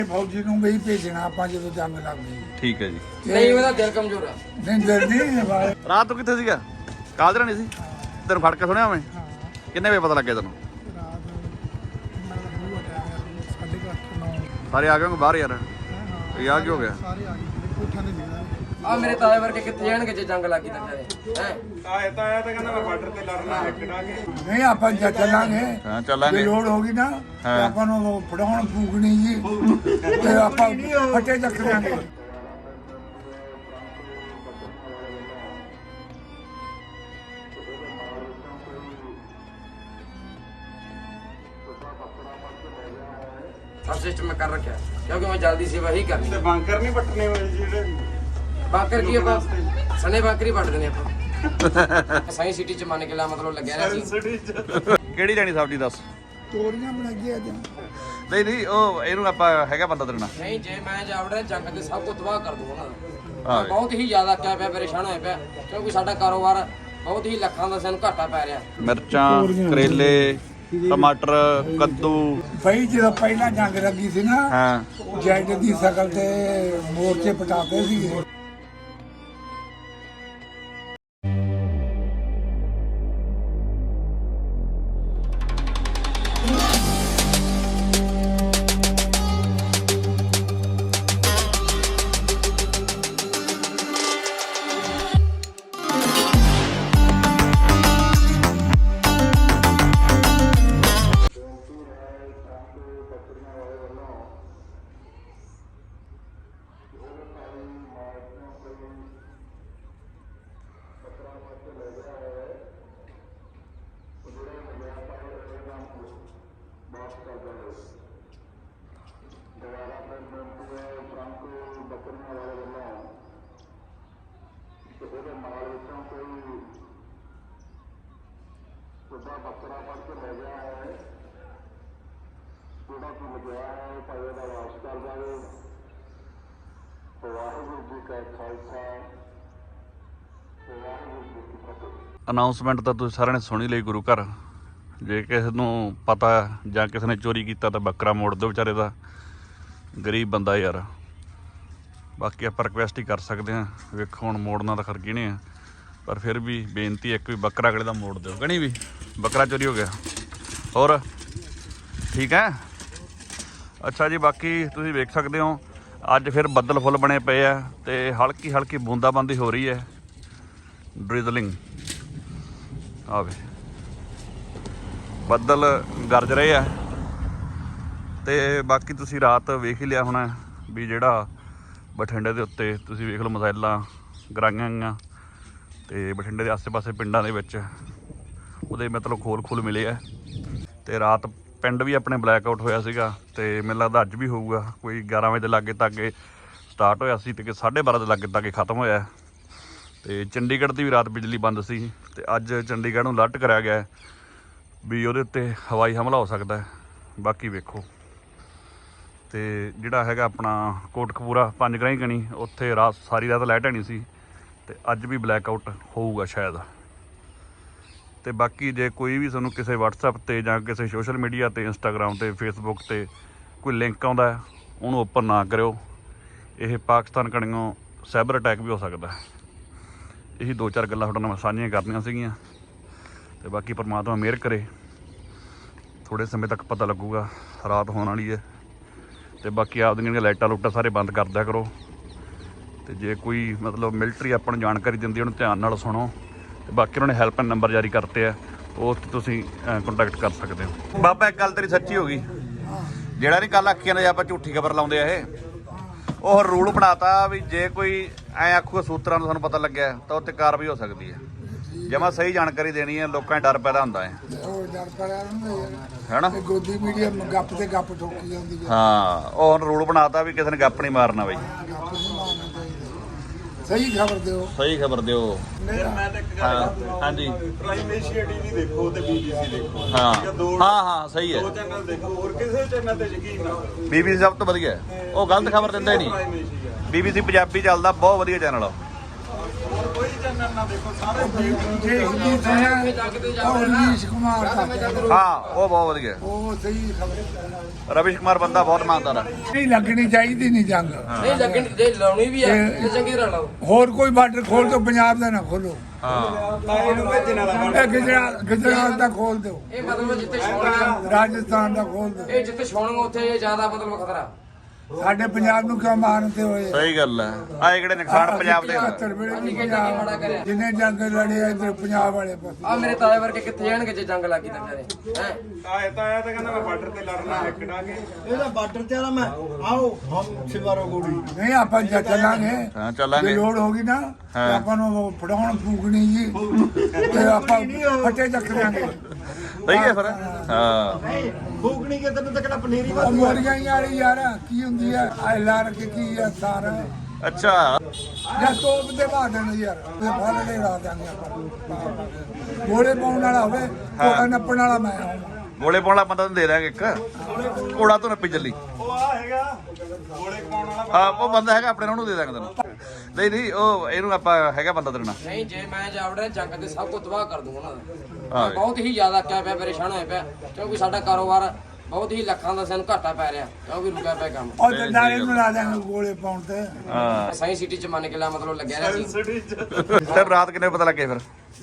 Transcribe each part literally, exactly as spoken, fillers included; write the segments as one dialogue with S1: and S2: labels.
S1: फौजी ਨੂੰ ਵੀ ਭੇਜਣਾ ਆਪਾਂ ਜਦੋਂ ਜੰਗ ਲੱਗ ਗਈ।
S2: ਠੀਕ ਹੈ ਜੀ।
S3: ਨਹੀਂ ਉਹਦਾ ਦਿਲ ਕਮਜ਼ੋਰ ਆ।
S1: ਨਹੀਂ ਦਿਲ ਨਹੀਂ ਬਾਈ।
S2: ਰਾਤ ਨੂੰ ਕਿੱਥੇ ਸੀਗਾ? ਕਾਲਜ ਨਹੀਂ ਸੀ ਤੈਨੂੰ ਫੜ ਕੇ ਸੁਣਿਆ ਮੈਂ? ਕਿੰਨੇ ਵਜੇ ਪਤਾ ਲੱਗਿਆ ਤੈਨੂੰ? ਸਾਰੇ ਆ ਗਏ ਹੋਗੇ ਬਾਹਰ ਯਾਰ। ਇਹ ਆ ਕੀ ਹੋ ਗਿਆ?
S3: ਆ ਮੇਰੇ ਤਾਏ ਵਰਗੇ ਕਿੱਥੇ ਜਾਣਗੇ ਜੇ ਜੰਗ ਲੱਗੀ ਤਾਂ ਹੈ।
S4: ਤਾਏ ਤਾਇਆ ਤਾਂ ਕਹਿੰਦਾ ਮੈਂ ਬਾਰਡਰ ਤੇ ਲੜਨਾ ਹੈ ਕਿਹੜਾ ਕੇ।
S1: ਨਹੀਂ ਆਪਾਂ ਜਦ ਚੱਲਾਂਗੇ
S2: ਹਾਂ ਚੱਲਾਂਗੇ।
S1: ਲੋੜ ਹੋਗੀ ਨਾ ਤੇ ਆਪਾਂ ਨੂੰ ਫੜਾਉਣ ਫੂਕਣੀ ਜੀ ਤੇ ਆਪਾਂ ਫੱਟੇ ਚੱਕ ਲਾਂਗੇ।
S3: सब सिस्टम में कर रखा क्योंकि मैं जल्दी से वही करनी
S4: ਤੇ ਬੰਕਰ ਨਹੀਂ ਪੱਟਨੇ ਹੋਏ ਜਿਹੜੇ
S3: बाकर की ਆਪਾਂ ਸਨੇ ਬਾਕਰੀ ਪੱਟ ਦੇਣੇ ਆਪਾਂ ਸਾਈ ਸਿਟੀ ਚ ਮੰਨ ਕੇ ਲਾ ਮਤਲਬ ਲੱਗਿਆ ਨਾ ਜੀ।
S4: ਸਿਟੀ ਚ
S2: ਕਿਹੜੀ ਲੈਣੀ ਸਬਜ਼ੀ ਦੱਸ?
S1: ਤੋਰੀਆਂ ਬਣਾਈਏ ਅੱਜ।
S2: ਨਹੀਂ ਨਹੀਂ ਉਹ ਇਹਨੂੰ ਆਪਾਂ ਹੈਗਾ ਬੰਦਾ ਤੇਰੇ ਨਾਲ।
S3: ਨਹੀਂ ਜੇ ਮੈਂ ਜਾਵੜਾ ਜੰਗ ਤੇ ਸਭ ਕੁਝ ਤਬਾਹ ਕਰ ਦੂੰਗਾ ਨਾ।
S2: ਹਾਂ।
S3: ਬਹੁਤ ਹੀ ਜ਼ਿਆਦਾ ਕਿਆ ਪਿਆ ਪਰੇਸ਼ਾਨ ਹੋਇਆ ਪਿਆ ਕਿਉਂਕਿ ਸਾਡਾ ਕਾਰੋਬਾਰ ਬਹੁਤ ਹੀ ਲੱਖਾਂ ਦਾ ਸਾਨੂੰ ਘਾਟਾ ਪੈ ਰਿਹਾ।
S2: ਮਿਰਚਾਂ, ਕਰੇਲੇ, ਟਮਾਟਰ, ਕੱਦੂ।
S1: ਬਈ ਜਦੋਂ ਪਹਿਲਾਂ ਜੰਗ ਲੱਗੀ ਸੀ ਨਾ
S2: ਹਾਂ
S1: ਜੈਡ ਦੀ ਸ਼ਕਲ ਤੇ ਮੋਰਚੇ ਪਟਾਉਂਦੇ ਸੀਗੇ।
S2: ਅਨਾਉਂਸਮੈਂਟ ਤਾਂ ਤੁਸੀਂ ਸਾਰਿਆਂ ਨੇ ਸੁਣੀ ਲਈ ਗੁਰੂ ਘਰ। ਜੇ ਕਿਸੇ ਨੂੰ ਪਤਾ ਜਾਂ ਕਿਸੇ ਨੇ ਚੋਰੀ ਕੀਤਾ ਤਾਂ ਬੱਕਰਾ ਮੋੜ ਦਿਓ ਵਿਚਾਰੇ ਦਾ, ਗਰੀਬ ਬੰਦਾ ਯਾਰ। ਬਾਕੀ ਆਪਾਂ ਰਿਕੁਐਸਟ ਹੀ ਕਰ ਸਕਦੇ ਹਾਂ। ਵੇਖੋ ਹੁਣ ਮੋੜਨਾ ਤਾਂ ਖਰਕੀ ਨਹੀਂ ਆ, ਪਰ ਫਿਰ ਵੀ ਬੇਨਤੀ ਇੱਕ ਵੀ ਬੱਕਰਾ ਅਗਲੇ ਦਾ ਮੋੜ ਦਿਓ। ਕਣੀ ਵੀ ਬੱਕਰਾ ਚੋਰੀ ਹੋ ਗਿਆ। ਹੋਰ ਠੀਕ ਹੈ? ਅੱਛਾ ਜੀ, ਬਾਕੀ ਤੁਸੀਂ ਵੇਖ ਸਕਦੇ ਹੋ ਅੱਜ ਫਿਰ ਬੱਦਲ ਫੁੱਲ ਬਣੇ ਪਏ ਆ ਤੇ ਹਲਕੀ ਹਲਕੀ ਬੂੰਦਾਬਾਂਦੀ ਹੋ ਰਹੀ ਹੈ, ਡ੍ਰਿਜ਼ਲਿੰਗ। ਆਵੇ ਬੱਦਲ ਗਰਜ ਰਹੇ ਆ ਤੇ ਬਾਕੀ ਤੁਸੀਂ ਰਾਤ ਵੇਖ ਹੀ ਲਿਆ ਹੋਣਾ ਵੀ ਜਿਹੜਾ ਬਠਿੰਡੇ ਦੇ ਉੱਤੇ ਤੁਸੀਂ ਵੇਖ ਲਓ ਮਿਜ਼ਾਈਲਾਂ ਗਰਾਈਆਂ ਗਈਆਂ ਤੇ ਬਠਿੰਡੇ ਦੇ ਆਸੇ-ਪਾਸੇ ਪਿੰਡਾਂ ਦੇ ਵਿੱਚ ਉਹਦੇ ਮਤਲਬ ਖੋਲ ਖੋਲ ਮਿਲੇ ਆ। ਤੇ ਰਾਤ ਪਿੰਡ ਵੀ ਆਪਣੇ ਬਲੈਕ ਆਊਟ ਹੋਇਆ ਸੀਗਾ ਤੇ ਮੈਨੂੰ ਲੱਗਦਾ ਅੱਜ ਵੀ ਹੋਊਗਾ। ਕੋਈ ਗਿਆਰਾਂ ਵਜੇ ਦੇ ਲਾਗੇ ਤਾਗੇ ਸਟਾਰਟ ਹੋਇਆ ਸੀ ਤੇ ਸਾਢੇ ਬਾਰਾਂ ਦੇ ਲਾਗੇ ਤਾਗੇ ਖਤਮ ਹੋਇਆ। ਤੇ ਚੰਡੀਗੜ੍ਹ ਦੀ ਵੀ ਰਾਤ ਬਿਜਲੀ ਬੰਦ ਸੀ ਤੇ ਅੱਜ ਚੰਡੀਗੜ੍ਹ ਨੂੰ ਅਲਰਟ ਕਰਿਆ ਗਿਆ ਵੀ ਉਹਦੇ ਉੱਤੇ ਹਵਾਈ ਹਮਲਾ ਹੋ ਸਕਦਾ ਹੈ। ਬਾਕੀ ਵੇਖੋ। ਤੇ ਜਿਹੜਾ ਹੈਗਾ ਆਪਣਾ ਕੋਟਕਪੂਰਾ ਪੰਜ ਗਰਾਈ ਗਣੀ, ਉੱਥੇ ਰਾਤ ਸਾਰੀ ਰਾਤ ਲਾਈਟ ਨਹੀਂ ਸੀ ਤੇ ਅੱਜ ਵੀ ਬਲੈਕ ਆਊਟ ਹੋਊਗਾ ਸ਼ਾਇਦ। ਤੇ ਬਾਕੀ ਜੇ ਕੋਈ ਵੀ ਤੁਹਾਨੂੰ ਕਿਸੇ ਵਟਸਐਪ ਤੇ ਜਾਂ ਕਿਸੇ ਸੋਸ਼ਲ ਮੀਡੀਆ ਤੇ ਇੰਸਟਾਗ੍ਰਾਮ ਤੇ ਫੇਸਬੁੱਕ ਤੇ ਕੋਈ ਲਿੰਕ ਆਉਂਦਾ ਉਹਨੂੰ ਓਪਨ ਨਾ ਕਰਿਓ। ਇਹ ਪਾਕਿਸਤਾਨ ਕਣੀਓ ਸਾਈਬਰ ਅਟੈਕ ਵੀ ਹੋ ਸਕਦਾ। ਇਹੀ ਦੋ ਚਾਰ ਗੱਲਾਂ ਤੁਹਾਡੇ ਨਾਲ ਸਾਂਝੀਆਂ ਕਰਨੀਆਂ ਸੀਗੀਆਂ ਤੇ ਬਾਕੀ ਪਰਮਾਤਮਾ ਮਿਹਰ ਕਰੇ। ਥੋੜ੍ਹੇ ਸਮੇਂ ਤੱਕ ਪਤਾ ਲੱਗੂਗਾ, ਰਾਤ ਹੋਣ ਵਾਲੀ ਹੈ। ਤੇ ਬਾਕੀ ਆਪਦੀਆਂ ਜਿਹੜੀਆਂ ਲਾਈਟਾਂ ਲੂਟਾਂ ਸਾਰੇ ਬੰਦ ਕਰ ਦਿਆ ਕਰੋ। ਤੇ ਜੇ ਕੋਈ ਮਤਲਬ ਮਿਲਟਰੀ ਆਪਾਂ ਨੂੰ ਜਾਣਕਾਰੀ ਦਿੰਦੀ ਉਹਨੂੰ ਧਿਆਨ ਨਾਲ ਸੁਣੋ। ਤੇ ਬਾਕੀ ਉਹਨਾਂ ਨੇ ਹੈਲਪਲਾਈਨ ਨੰਬਰ ਜਾਰੀ ਕਰਤੇ ਆ, ਉਸ 'ਤੇ ਤੁਸੀਂ ਕੰਟੈਕਟ ਕਰ ਸਕਦੇ ਹੋ। ਬਾਬਾ ਇੱਕ ਗੱਲ ਤੇਰੀ ਸੱਚੀ ਹੋ ਗਈ, ਜਿਹੜਾ ਨਹੀਂ ਕੱਲ੍ਹ ਆਖੀਆਂ ਨੇ ਆਪਾਂ ਝੂਠੀ ਖਬਰ ਲਾਉਂਦੇ ਆ ਇਹ, ਉਹ ਰੂਲ ਬਣਾਤਾ ਵੀ ਜੇ ਕੋਈ ਐਂ ਆਖੂਗਾ ਸੂਤਰਾਂ ਨੂੰ ਸਾਨੂੰ ਪਤਾ ਲੱਗਿਆ ਤਾਂ ਉੱਤੇ ਕਾਰਵਾਈ ਹੋ ਸਕਦੀ ਹੈ। ਜਮਾ ਸਹੀ ਜਾਣਕਾਰੀ ਦੇਣੀ ਹੈ, ਲੋਕਾਂ 'ਚ ਡਰ ਪੈਦਾ ਹੁੰਦਾ ਹੈ।
S1: ਉਹ ਡਰ ਪਿਆ
S2: ਹੈ ਨਾ?
S1: ਗੋਦੀ ਮੀਡੀਆ ਗੱਪ ਤੇ ਗੱਪ ਠੋਕੀ ਜਾਂਦੀ ਹੈ।
S2: ਹਾਂ, ਉਹ ਹੁਣ ਰੂਲ ਬਣਾਤਾ ਵੀ ਕਿਸੇ ਨੇ ਗੱਪ ਨਹੀਂ ਮਾਰਨਾ ਬਈ।
S1: ਗੱਪ ਨਹੀਂ ਮਾਰਨਾ ਚਾਹੀਦਾ। ਸਹੀ ਖਬਰ ਦਿਓ।
S2: ਸਹੀ ਖਬਰ ਦਿਓ।
S4: ਫਿਰ ਮੈਂ ਤਾਂ ਇੱਕ ਗੱਲ
S2: ਹਾਂ
S4: ਕਰਦਾ
S2: ਹਾਂਜੀ
S4: ਪ੍ਰਾਈਮ ਏਸ਼ੀਆ ਟੀਵੀ ਦੇਖੋ ਤੇ ਬੀਬੀਸੀ ਦੇਖੋ।
S2: ਹਾਂ
S4: ਠੀਕ ਹੈ, ਦੋ
S2: ਹਾਂ ਹਾਂ ਸਹੀ ਹੈ।
S4: ਦੋ ਚੈਨਲ ਦੇਖੋ, ਹੋਰ ਕਿਸੇ ਚੈਨਲ ਤੇ ਯਕੀਨ ਨਾ ਕਰੋ।
S2: ਬੀਬੀਸੀ ਸਭ ਤੋਂ ਵਧੀਆ ਹੈ। ਉਹ ਗਲਤ ਖਬਰ ਦਿੰਦਾ ਹੀ ਨਹੀਂ।
S4: ਪ੍ਰਾਈਮ ਏਸ਼ੀਆ
S2: ਬੀਬੀਸੀ ਪੰਜਾਬੀ ਚੱਲਦਾ, ਬਹੁਤ ਵਧੀਆ ਚੈਨਲ ਆ।
S4: ਹੋਰ ਕੋਈ ਚੈਨਲ ਨਾ ਦੇਖੋ ਸਾਰੇ
S1: ਦੇਖਦੀ ਸੁਣਿਆ ਉਹ ਰਵੀਸ਼ ਕੁਮਾਰ ਦਾ
S2: ਹਾਂ ਉਹ ਬਹੁਤ ਵਧੀਆ
S1: ਉਹ ਸਹੀ ਖਬਰ
S2: ਰਵੀਸ਼ ਕੁਮਾਰ ਬੰਦਾ ਬਹੁਤ ਇਮਾਨਦਾਰ ਆ
S1: ਨਹੀਂ ਲੱਗਣੀ ਚਾਹੀਦੀ ਨਹੀਂ ਜੰਗ
S3: ਨਹੀਂ ਲੱਗਣ ਜੇ ਲਾਉਣੀ ਵੀ ਆ ਤੇ ਚੰਗੀ ਤਰ੍ਹਾਂ ਲਾਓ
S1: ਹੋਰ ਕੋਈ ਬਾਰਡਰ ਖੋਲ ਦਿਓ ਪੰਜਾਬ ਦਾ ਨਾ ਖੋਲੋ
S2: ਹਾਂ
S4: ਇਹਨੂੰ ਭੇਜਣ ਵਾਲਾ
S1: ਇਹ ਗੁਜਰਾਤ ਗੁਜਰਾਤ ਦਾ ਖੋਲ ਦਿਓ
S3: ਇਹ ਮਤਲਬ ਜਿੱਥੇ ਛੋਣਗਾ
S1: ਰਾਜਸਥਾਨ ਦਾ ਖੋਲ ਦਿਓ
S3: ਇਹ ਜਿੱਥੇ ਛੋਣਗਾ ਉੱਥੇ ਜ਼ਿਆਦਾ ਮਤਲਬ ਖਤਰਾ
S1: ਸਾਡੇ ਪੰਜਾਬ ਨੂੰ ਕਿਉਂ ਮਾਰਦੇ ਹੋਏ
S2: ਸਹੀ ਗੱਲ ਹੈ ਆਏ ਕਿਹੜੇ ਨੁਕਸਾਨ ਪੰਜਾਬ ਦੇ
S1: ਇਕਹੱਤਰ ਵੇਲੇ ਵੀ ਪੰਜਾਬ ਜਿੰਨੇ ਜੰਗ ਲੜੇ ਆ ਇੱਧਰ ਪੰਜਾਬ ਵਾਲੇ ਪਾਸੇ
S3: ਆ ਮੇਰੇ ਤਾਏ ਵਰਗੇ ਕਿੱਥੇ ਜਾਣਗੇ ਜੇ ਜੰਗ ਲੱਗੀ ਤਾਂ ਕਰੇ ਹੈ
S4: ਆਏ ਤਾਂ ਆਇਆ ਤਾਂ ਕਹਿੰਦਾ ਮੈਂ ਬਾਰਡਰ ਤੇ ਲੜਨਾ ਹੈ ਕਿਡਾ ਕੇ
S5: ਇਹਦਾ ਬਾਰਡਰ ਤੇ ਆਲਾ ਮੈਂ ਆਓ ਹਮ ਸਿਵਾਰੋ ਗੋੜੀ
S1: ਨਹੀਂ ਆਪਾਂ ਜਾ ਚੱਲਾਂਗੇ
S2: ਹਾਂ
S1: ਜੇ
S2: ਚੱਲਾਂਗੇ
S1: ਲੋੜ ਹੋਗੀ ਨਾ ਤੇ
S2: ਹਾਂ।
S1: ਆਪਾਂ ਨੂੰ ਫੜਾਉਣ ਫੂਕਣੀ ਜੀ ਤੇ ਆਪਾਂ ਫੱਟੇ ਚੱਕਰਾਂਗੇ
S2: ਸਹੀ ਹੈ ਫਿਰ ਹਾਂ
S5: ਫੂਕਣੀ ਕੇ ਤੈਨੂੰ ਤਾਂ ਕਿਹੜਾ ਪਨੀਰੀ
S1: ਉਹ ਮੋਰੀਆਂ ਹੀ ਵਾਲੀ ਯਾਰ ਕੀ ਹੁੰਦੀ ਆ ਐ ਲਾਰ ਕੇ ਕੀ ਆ ਸਾਰਾ
S2: ਅੱਛਾ
S1: ਜਾਂ ਤੋਪ ਦੇ ਬਾਅਦ ਨੇ ਯਾਰ ਤੇ ਫਲ ਦੇ ਰਾ ਦਾਂਗੇ ਆਪਾਂ ਗੋਲੇ ਪਾਉਣ ਵਾਲਾ ਹੋਵੇ ਕੋੜਾ ਨੱਪਣ ਵਾਲਾ ਮੈਂ ਹਾਂ
S2: ਗੋਲੇ ਪਾਉਣ ਵਾਲਾ ਬੰਦਾ ਤੈਨੂੰ ਦੇ ਦਾਂਗੇ ਇੱਕ ਕੋੜਾ ਤੋਂ ਨੱਪੀ ਚੱਲੀ
S4: ਉਹ ਆ ਹੈਗਾ ਗੋਲੇ ਪਾਉਣ ਵਾਲਾ
S2: ਹਾਂ ਉਹ ਬੰਦਾ ਹੈਗਾ ਆਪਣੇ ਨਾਲ ਉਹਨੂੰ ਦੇ ਦਾਂਗੇ ਤੈਨੂੰ ਨਹੀਂ ਨਹੀਂ ਉਹ ਇਹਨੂੰ ਆਪਾਂ ਹੈਗਾ ਬੰਦਾ ਤੇਰੇ ਨਾਲ
S3: ਨਹੀਂ ਜੇ ਮੈਂ ਜਾਵੜਾ ਜੰਗ ਤੇ ਸਭ ਕੁਝ ਤਬਾਹ ਕਰ ਦੂੰਗਾ ਉਹਨਾਂ ਦਾ
S2: ਹਾਂ।
S3: ਮੈਂ ਬਹੁਤ ਹੀ ਜ਼ਿਆਦਾ ਕਿਆ ਪਿਆ ਪਰੇਸ਼ਾਨ ਹੋਇਆ ਪਿਆ ਕਿਉਂਕਿ ਸਾਡਾ ਕਾਰੋਬਾਰ ਬਹੁਤ ਹੀ ਲੱਖਾਂ ਦਾ ਸਾਨੂੰ ਘਾਟਾ ਪੈ ਰਿਹਾ ਕਿਉਂਕਿ ਰੁਕਿਆ ਪਿਆ ਕੰਮ
S1: ਉਹ ਤੇ ਨਾਲੇ ਨੂੰ ਲਾ ਦਾਂਗੇ ਗੋਲੇ ਪਾਉਣ ਤੇ
S2: ਹਾਂ
S3: ਸਾਇੰਸ ਸਿਟੀ ਚ ਮੰਨ ਕੇ ਲਾ ਮਤਲਬ ਲੱਗਿਆ ਰਿਹਾ ਸੀ
S4: ਸਿਟੀ ਚ
S2: ਤੇ ਰਾਤ ਕਿੰਨੇ ਪਤਾ ਲੱਗੇ ਫਿਰ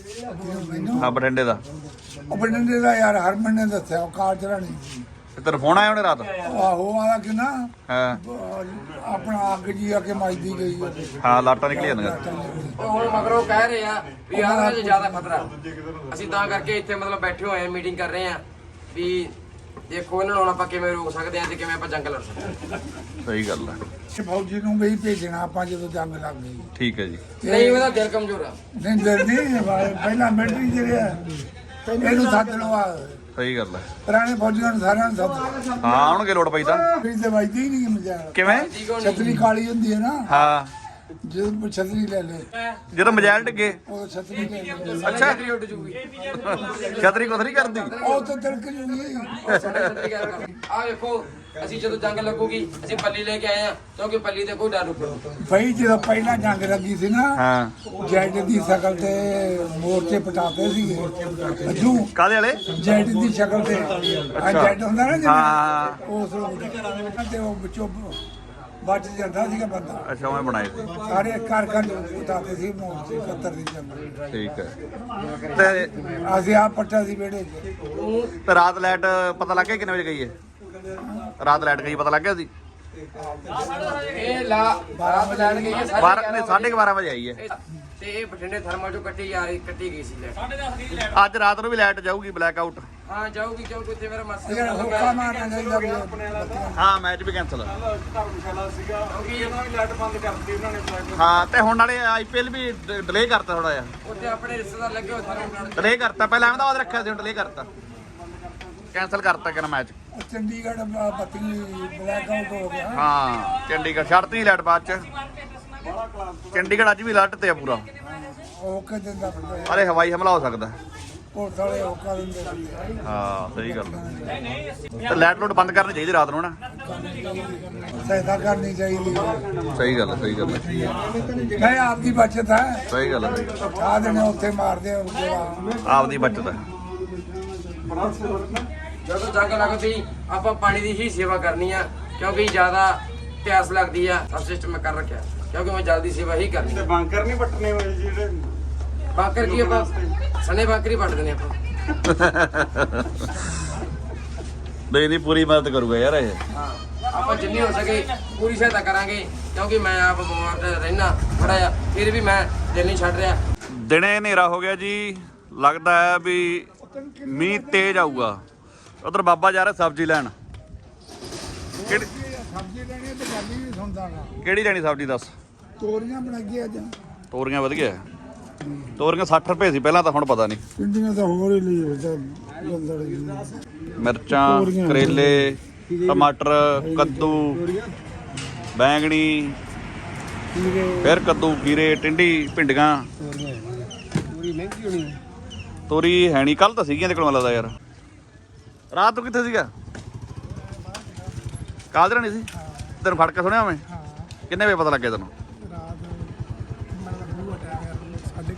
S1: ਮੈਨੂੰ
S2: ਹਾਂ ਬਠਿੰਡੇ ਦਾ
S1: ਉਹ ਬੰਦੇ ਦਾ ਯਾਰ ਹਰਮਨ ਨੇ ਦੱਸਿਆ ਉਹ ਕਾਰ ਚਲਾਣੀ
S2: ਤੇ ਤੇਰਾ ਫੋਨ ਆਇਆ ਉਹਨੇ ਰਾਤ
S1: ਆਹੋ ਆਲਾ ਕਿ ਨਾ
S2: ਹਾਂ
S1: ਅਹ ਆਪਣਾ ਅੱਗ ਜੀ ਆ ਕੇ ਮੱਚਦੀ ਗਈ ਆ।
S2: ਹਾਂ ਲਾਟਾਂ ਨਿਕਲੀ ਜਾਂਦੀਆਂ
S3: ਉਹ ਹੁਣ ਮਗਰੋਂ ਕਹਿ ਰਹੇ ਆ ਵੀ ਆਹ ਚ ਜ਼ਿਆਦਾ ਖਤਰਾ ਅਸੀਂ ਤਾਂ ਕਰਕੇ ਇੱਥੇ ਮਤਲਬ ਬੈਠੇ ਹੋਏ ਆ ਮੀਟਿੰਗ ਕਰ ਰਹੇ ਆ ਵੀ ਦੇਖੋ ਇਹਨਾਂ ਨੂੰ ਹੁਣ ਆਪਾਂ ਕਿਵੇਂ ਰੋਕ ਸਕਦੇ ਆ ਤੇ ਕਿਵੇਂ ਆਪਾਂ ਜੰਗ ਲੜ ਸਕਦੇ ਆ
S2: ਸਹੀ ਗੱਲ ਹੈ
S1: ਤੇ ਫੌਜੀ ਨੂੰ ਵੀ ਭੇਜਣਾ ਆਪਾਂ ਜਦੋਂ ਜੰਗ ਲੱਗ ਗਈ
S2: ਠੀਕ ਹੈ ਜੀ
S3: ਨਹੀਂ ਉਹਦਾ ਦਿਲ ਕਮਜ਼ੋਰ ਆ
S1: ਨਹੀਂ ਦਿਲ ਨਹੀਂ ਪਹਿਲਾਂ ਮਿਲਟਰੀ ਜਿਹੜੇ ਇਹਨੂੰ ਸੱਦ ਲਓ ਆ
S2: ਸਹੀ ਗੱਲ ਹੈ
S1: ਪੁਰਾਣੇ ਫੌਜੀਆਂ ਨੂੰ ਸਾਰਿਆਂ ਨੂੰ ਸੱਦ ਲਓ
S2: ਹਾਂ ਆਉਣਗੇ ਲੋੜ ਪਈ ਤਾਂ
S1: ਫਿਰ ਤੇ ਵੱਜਦੀ ਹੀ ਨਹੀਂ ਮਜ਼ਾਕ
S2: ਕਿਵੇਂ
S1: ਛਤਰੀ ਕਾਲੀ ਹੁੰਦੀ ਹੈ ਨਾ
S2: ਹਾਂ
S1: ਜਦੋਂ ਛਤਰੀ ਲੈ ਲੈ
S2: ਜਦੋਂ ਮਜਾਲ ਡਿੱਗੇ
S1: ਉਹ ਛਤਰੀ ਲੈ ਲੈ
S2: ਅੱਛਾ
S3: ਛਤਰੀ ਉੱਡ ਜੂਗੀ
S2: ਛਤਰੀ ਕੁਤਰੀ ਕਰਦੀ
S1: ਉਹ ਤਾਂ ਤਿਲਕ ਜੂਗੀ
S3: ਆ ਵੇਖੋ ਅਸੀਂ ਜਦੋਂ ਜੰਗ ਲੱਗੂਗੀ ਅਸੀਂ ਪੱਲੀ ਲੈ ਕੇ ਆਏ ਆ ਕਿਉਂਕਿ ਪੱਲੀ ਤੇ ਕੋਈ ਡਰ ਰੁਕੂ
S1: ਭਾਈ ਜਦੋਂ ਪਹਿਲਾਂ ਜੰਗ ਲੱਗੀ ਸੀ ਨਾ
S2: ਹਾਂ
S1: ਜੈਟ ਦੀ ਸ਼ਕਲ ਤੇ ਮੋਰਚੇ ਪਟਾਤੇ ਸੀਗੇ ਅੱਜੂ
S2: ਕਾਦੇ ਵਾਲੇ
S1: ਜੈਟ ਦੀ ਸ਼ਕਲ ਤੇ ਆ ਜੈਟ ਹੁੰਦਾ ਨਾ
S2: ਹਾਂ।
S1: ਜਿਹੜਾ ਉਸ ਨੂੰ ਤੇ ਉਹ ਵਿੱਚੋਂ ਬਚ ਜਾਂਦਾ ਸੀਗਾ ਬੰਦਾ
S2: ਅੱਛਾ ਉਹ ਬਣਾਏ ਸੀ।
S1: ਸਾਰੇ ਘਰ ਘਰ ਪਟਾਤੇ ਸੀ ਮੋਰਚੇ ਇਕੱਤਰ ਦੀ ਜੰਗ
S2: ਠੀਕ ਹੈ ਤੇ
S1: ਅਸੀਂ ਆਪ ਪੱਟਾ ਸੀ ਵਿਹੜੇ 'ਚ
S2: ਤੇ ਰਾਤ ਲਾਈਟ ਪਤਾ ਲੱਗ ਗਿਆ ਕਿੰਨੇ ਵਜੇ ਗਈ ਹੈ ਰਾਤ ਲਾਈਟ ਗਈ ਪਤਾ ਲੱਗ ਗਿਆ ਸੀ
S3: ਇਹ ਲਾ ਰਾਤ ਲੈਣ ਗਈ ਹੈ
S2: ਬਾਰਾਂ ਨੇ ਸਾਢੇ ਕੁ ਬਾਰਾਂ ਵਜੇ ਆਈ ਹੈ
S3: ਤੇ ਇਹ ਬਠਿੰਡੇ ਥਰਮਲ ਚੋਂ ਕੱਟੀ ਜਾ ਰਹੀ ਕੱਟੀ ਗਈ ਸੀ ਲੈ
S2: ਅੱਜ ਰਾਤ ਨੂੰ ਵੀ ਲਾਈਟ ਜਾਊਗੀ ਬਲੈਕ ਆਊਟ
S3: ਹਾਂ ਜਾਊਗੀ ਕਿਉਂਕਿ ਉੱਥੇ ਮੇਰਾ ਮਰਸੀ
S1: ਜਿਹੜਾ ਹੁੱਕਾ ਮਾਰਨਾ ਚਾਹੀਦਾ ਵੀ
S2: ਹਾਂ ਮੈਚ ਵੀ ਕੈਨਸਲ
S4: ਧਰਮਸ਼ਾਲਾ ਸੀਗਾ ਕਿਉਂਕਿ ਇਹਨਾਂ ਵੀ ਲਾਈਟ ਬੰਦ ਕਰਤੀ ਉਹਨਾਂ ਨੇ flight।
S2: ਹਾਂ ਤੇ ਹੁਣ ਨਾਲੇ ਆਈਪੀਐਲ ਵੀ ਡਿਲੇ ਕਰਤਾ ਥੋੜਾ ਜਿਹਾ
S3: ਉੱਥੇ ਆਪਣੇ ਰਿਸ਼ਤੇਦਾਰ ਲੱਗੇ ਹੋਏ ਥਰਮਲ
S2: ਡਿਲੇ ਕਰਤਾ ਪਹਿਲਾਂ ਅਹਿਮਦਾਬਾਦ ਰੱਖਿਆ ਸੀ ਹੁਣ ਡਿਲੇ ਕਰਤਾ ਕੈਨਸਲ ਕਰਤਾ ਕਿਹੜਾ ਮੈਚ
S1: ਉਹ ਚੰਡੀਗੜ੍ਹ ਬ- ਬੱਤੀ ਬਲੈਕ ਆਊਟ ਹੋ ਗਿਆ
S2: ਹਾਂ ਚੰਡੀਗੜ੍ਹ ਛੱਡਤੀ ਲਾਈਟ ਬਾਅਦ ਚ ਚੰਡੀਗੜ੍ਹ ਅੱਜ ਵੀ ਅਲਰਟ ਤੇ ਆ ਪੂਰਾ
S1: ਉਹ ਕਿ ਦਿੰਦਾ ਬੰਦਾ
S2: ਅਰੇ ਹਵਾਈ ਹਮਲਾ ਹੋ ਸਕਦਾ
S1: ਉਹ ਸਾਲੇ ਉਹ ਕਰ ਦਿੰਦੇ ਸੀ।
S2: ਹਾਂ ਸਹੀ ਗੱਲ ਹੈ। ਤੇ ਲਾਈਟ ਲੋਡ ਬੰਦ ਕਰਨੀ ਚਾਹੀਦੀ ਰਾਤ ਨੂੰ ਨਾ
S1: ਸਹਾਇਤਾ ਕਰਨੀ ਚਾਹੀਦੀ ਹੈ।
S2: ਸਹੀ ਗੱਲ ਹੈ ਸਹੀ ਗੱਲ ਹੈ
S1: ਨਹੀਂ ਆਪਦੀ ਬਚਤ ਹੈ
S2: ਸਹੀ ਗੱਲ ਹੈ ਸਹੀ ਗੱਲ ਹੈ।
S1: ਆ ਦੇਣੇ ਉੱਥੇ ਮਾਰਦੇ ਆ ਗੋਲਾ
S2: ਆਪਦੀ ਬਚਤ ਹੈ
S3: ਜਦੋਂ ਜੰਗ ਲੱਗਦੀ ਆਪਾਂ ਪਾਣੀ ਦੀ ਹੀ ਸੇਵਾ ਕਰਨੀ ਆ ਕਿਉਂਕਿ ਜ਼ਿਆਦਾ ਪਿਆਸ ਲੱਗਦੀ ਆ ਸਭ ਸਿਸਟਮ ਮੈਂ ਕਰ ਰੱਖਿਆ ਕਿਉਂਕਿ ਮੈਂ ਜਲਦੀ ਸੇਵਾ ਹੀ ਕਰਨੀ
S4: ਤੇ ਬੰਕਰ ਨਹੀਂ ਪੱਟਣੇ ਹੋਏ ਜਿਹੜੇ
S3: ਬਾਕਰ ਕੀ ਆਪਾਂ ਸਣੇ ਬਾਕਰ ਹੀ ਪੱਟਦੇ ਨੇ ਆਪਾਂ
S2: ਨਹੀਂ ਨਹੀਂ ਪੂਰੀ ਮਦਦ ਕਰੂਗਾ ਯਾਰ ਇਹ
S3: ਹਾਂ ਆਪਾਂ ਜਿੰਨੀ ਹੋ ਸਕੇ ਪੂਰੀ ਸਹਾਇਤਾ ਕਰਾਂਗੇ ਕਿਉਂਕਿ ਮੈਂ ਆਪ ਬਿਮਾਰ ਰਹਿਣਾ ਥੋੜਾ ਜਿਹਾ ਫਿਰ ਵੀ ਮੈਂ ਦਿਲ ਨਹੀਂ ਛੱਡ ਰਿਹਾ
S2: ਦਿਨੇ ਹਨੇਰਾ ਹੋ ਗਿਆ ਜੀ ਲੱਗਦਾ ਹੈ ਵੀ ਮੀਂਹ ਤੇਜ਼ ਆਊਗਾ ਉਧਰ ਬਾਬਾ ਜਾ ਰਿਹਾ ਸਬਜ਼ੀ ਲੈਣ ਕਿਹੜੀ
S1: ਸਬਜ਼ੀ ਲੈਣੀ ਤੇ ਗੱਲ ਹੀ ਨਹੀਂ ਸੁਣਦਾ ਨਾ
S2: ਕਿਹੜੀ ਲੈਣੀ ਸਬਜ਼ੀ ਦੱਸ
S1: ਤੋਰੀਆਂ ਬਣਾਈਏ ਅੱਜ
S2: ਤੋਰੀਆਂ ਵਧ ਗਿਆ ਤੋਰੀਆਂ ਸੱਠ ਰੁਪਏ ਸੀ ਪਹਿਲਾਂ ਤਾਂ ਹੁਣ ਪਤਾ ਨਹੀਂ
S1: ਪਿੰਡੀਆਂ ਤਾਂ ਹੋਰ ਹੀ ਲਈ ਹੁੰਦਾ ਗੰਦੜ
S2: ਮਿਰਚਾਂ ਕਰੇਲੇ ਟਮਾਟਰ ਕੱਦੂ ਬੈਂਗਣੀ ਫਿਰ ਕੱਦੂ ਖੀਰੇ ਟਿੰਡੀ ਭਿੰਡੀਆਂ
S5: ਪੂਰੀ ਮਹਿੰਗੀ ਹੋਣੀ
S2: ਤੋਰੀ ਹੈ ਨਹੀਂ ਕੱਲ ਤਾਂ ਸੀਗੀਆਂ ਤੇ ਕੋਲ ਲੱਗਦਾ ਯਾਰ ਰਾਤ ਨੂੰ ਕਿੱਥੇ ਸੀਗਾ ਕਾਲਜਰਾ ਨਹੀਂ ਸੀ ਤੈਨੂੰ ਫੜ ਕੇ ਸੁਣਿਆ ਮੈਂ ਕਿੰਨੇ ਵਜੇ ਪਤਾ ਲੱਗਿਆ ਤੈਨੂੰ
S1: ਰਾਤ ਮਤਲਬ ਬੂਹਾ ਟਾਈਮ ਸਾਢੇ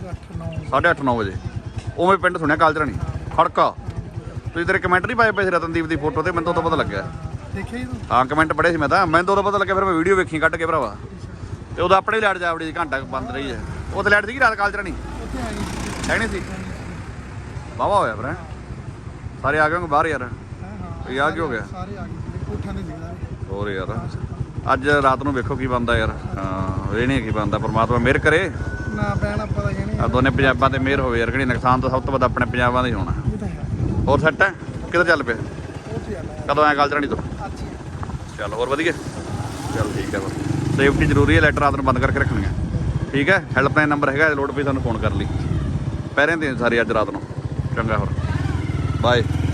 S2: ਸਾਢੇ ਅੱਠ ਨੌ ਵਜੇ ਉਵੇਂ ਪਿੰਡ ਸੁਣਿਆ ਕਾਲਚਰਾਣੀ ਖੜਕਾ। ਤੁਸੀਂ ਤੇਰੇ ਕਮੈਂਟ ਨਹੀਂ ਪਾਏ ਪਏ ਸੀ ਰਤਨਦੀਪ ਦੀ ਫੋਟੋ ਤੇ, ਮੈਨੂੰ ਤਾਂ ਉਦੋਂ ਪਤਾ ਲੱਗਿਆ।
S1: ਦੇਖਿਆ ਜੀ ਤੂੰ?
S2: ਹਾਂ ਕਮੈਂਟ ਪੜ੍ਹੇ ਸੀ ਮੈਂ ਤਾਂ, ਮੈਨੂੰ ਤਾਂ ਉਦੋਂ ਪਤਾ ਲੱਗਿਆ, ਫਿਰ ਮੈਂ ਵੀਡੀਓ ਵੇਖੀ ਕੱਢ ਕੇ ਭਰਾਵਾ। ਤੇ ਉਦੋਂ ਆਪਣੇ ਲਾਈਟ ਜਾ ਵੜੀ ਘੰਟਾ ਕੁ ਬੰਦ ਰਹੀ ਹੈ। ਉਹ ਤੇ ਲਾਈਟ ਸੀਗੀ ਰਾਤ ਕਾਲਚਰਾਣੀ
S1: ਉੱਥੇ ਆ ਗਈ
S2: ਹੈ ਨਹੀਂ ਸੀ? ਵਾਹਵਾ ਹੋਇਆ ਫਿਰ ਹੈਂ? ਸਾਰੇ ਆ ਗਏ ਹੋਣਗੇ ਬਾਹਰ ਯਾਰ।
S1: ਹਾਂ ਹਾਂ
S2: ਇਹ ਆ ਕੀ ਹੋ ਗਿਆ?
S1: ਸਾਰੇ ਆ ਗਏ ਕੋਠਾਂ ਦੇ ਸੀਗਾ।
S2: ਹੋਰ ਯਾਰ ਅੱਜ ਰਾਤ ਨੂੰ ਵੇਖੋ ਕੀ ਬਣਦਾ ਯਾਰ। ਹਾਂ ਇਹ ਨਹੀਂ ਕੀ ਬਣਦਾ, ਪਰਮਾਤਮਾ ਮਿਹਰ ਕਰੇ।
S1: ਨਾ ਪੈਣਾ ਪਤਾ ਹੀ ਨਹੀਂ
S2: ਆ ਦੋਨੇ ਪੰਜਾਬਾਂ ਤੇ ਮਿਹਰ ਹੋਵੇ ਯਾਰ। ਕਿਹੜੀ ਨੁਕਸਾਨ ਤਾਂ ਸਭ ਤੋਂ ਵੱਧ ਆਪਣੇ ਪੰਜਾਬਾਂ ਦਾ ਹੀ ਹੋਣਾ।
S1: ਇਹ ਤਾਂ ਹੈ।
S2: ਹੋਰ ਸੈੱਟ ਹੈ ਕਿੱਧਰ ਚੱਲ ਪਿਆ?
S1: ਉੱਥੇ ਆ ਲੈ
S2: ਕਦੋਂ ਆਇਆ ਕਾਲਚਰਾਣੀ ਤੋਂ?
S1: ਅੱਛੀ
S2: ਚੱਲ ਹੋਰ ਵਧੀਆ। ਚੱਲ ਠੀਕ ਹੈ ਬਸ ਸੇਫਟੀ ਜ਼ਰੂਰੀ ਹੈ। ਲਾਈਟ ਰਾਤ ਨੂੰ ਬੰਦ ਕਰਕੇ ਰੱਖਣੀ ਹੈ ਠੀਕ ਹੈ। ਹੈਲਪਲਾਈਨ ਨੰਬਰ ਹੈਗਾ, ਲੋੜ ਪਈ ਸਾਨੂੰ ਫੋਨ ਕਰ ਲਈ। ਪਹਿਰੇ ਦੇ ਸਾਰੇ ਅੱਜ ਰਾਤ ਨੂੰ। ਚੰਗਾ ਹੋਰ ਬਾਏ।